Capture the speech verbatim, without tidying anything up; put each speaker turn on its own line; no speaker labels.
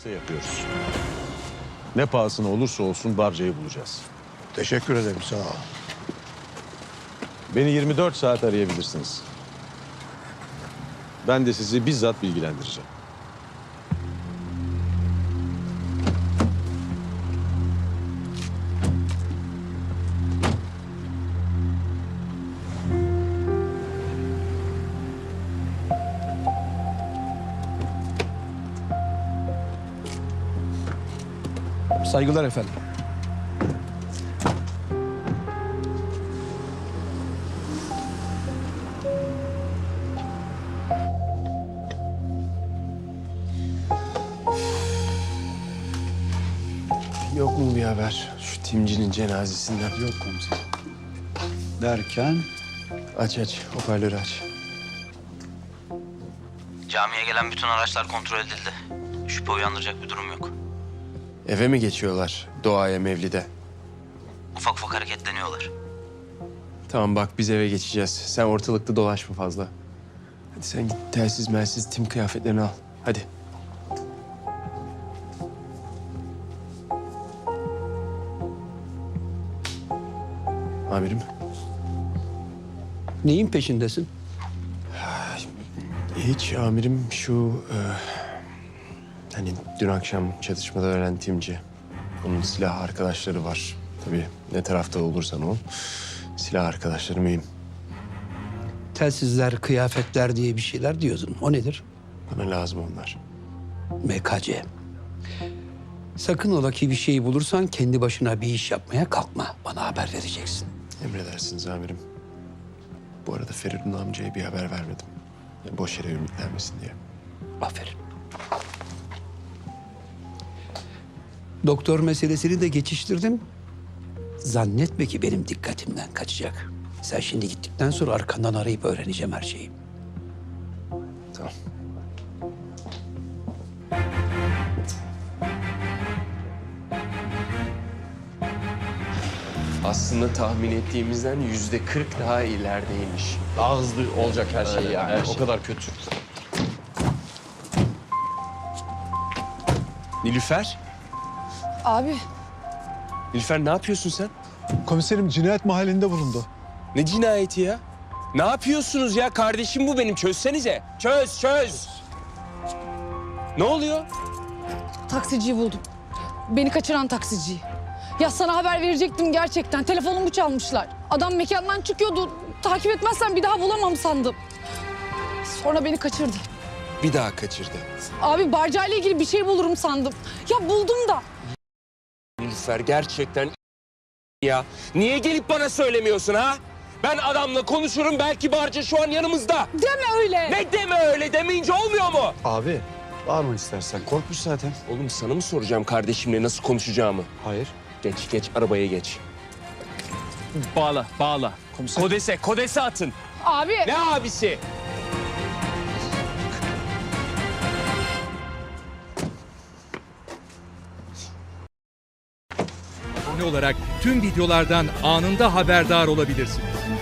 gerekirse yapıyoruz. Ne pahasına olursa olsun Barca'yı bulacağız.
Teşekkür ederim, sağ ol.
Beni yirmi dört saat arayabilirsiniz. Ben de sizi bizzat bilgilendireceğim.
Saygılar efendim.
Yok mu bir haber şu timcinin cenazesinden?
Yok komiserim. Derken?
Aç aç, hoparlörü aç.
Camiye gelen bütün araçlar kontrol edildi. Şüphe uyandıracak bir durum yok.
Eve mi geçiyorlar doğaya, mevlide?
Ufak ufak hareketleniyorlar.
Tamam bak, biz eve geçeceğiz. Sen ortalıkta dolaşma fazla. Hadi sen git telsiz melsiz tim kıyafetlerini al. Hadi. Amirim.
Neyin peşindesin?
Hiç amirim, şu e, hani dün akşam çatışmada ölen timci. Onun silah arkadaşları var. Tabii ne tarafta olursan ol, silah arkadaşları mühim.
Telsizler, kıyafetler diye bir şeyler diyordun. O nedir?
Bana lazım onlar.
M K C. Sakın ola ki bir şey bulursan kendi başına bir iş yapmaya kalkma. Bana haber vereceksin.
Emredersiniz amirim. Bu arada Feridun amcaya bir haber vermedim. Yani boş yere ümitlenmesin diye.
Aferin. Doktor meselesini de geçiştirdim. Zannetme ki benim dikkatimden kaçacak. Sen şimdi gittikten sonra arkandan arayıp öğreneceğim her şeyi.
Tamam. Aslında tahmin ettiğimizden yüzde kırk daha ilerideymiş.
Daha hızlı olacak her şey yani.
her şey.
O kadar kötü.
Nilüfer?
Abi
Nilüfer ne yapıyorsun sen?
Komiserim cinayet mahallinde bulundu.
Ne cinayeti ya? Ne yapıyorsunuz ya? Kardeşim bu benim. Çözsenize. Çöz, çöz. Ne oluyor?
taksiciyi buldum. Beni kaçıran taksiciyi. Ya sana haber verecektim gerçekten. Telefonumu çalmışlar. Adam mekandan çıkıyordu. Takip etmezsen bir daha bulamam sandım. Sonra beni kaçırdı.
Bir daha kaçırdı.
Abi Barca'yla ilgili bir şey bulurum sandım. Ya buldum da.
Nilüfer gerçekten ya. Niye gelip bana söylemiyorsun ha? Ben adamla konuşurum, belki Barca şu an yanımızda.
Deme öyle.
Ne deme öyle, demeyince olmuyor mu?
Abi bağırma istersen. Korkmuş zaten.
Oğlum sana mı soracağım kardeşimle nasıl konuşacağımı?
Hayır.
Geç geç arabaya geç.
Bağla, bağla.
Komiser.
Kodese, kodese atın.
Abi.
Ne abisi?
Abone olarak tüm videolardan anında haberdar olabilirsiniz.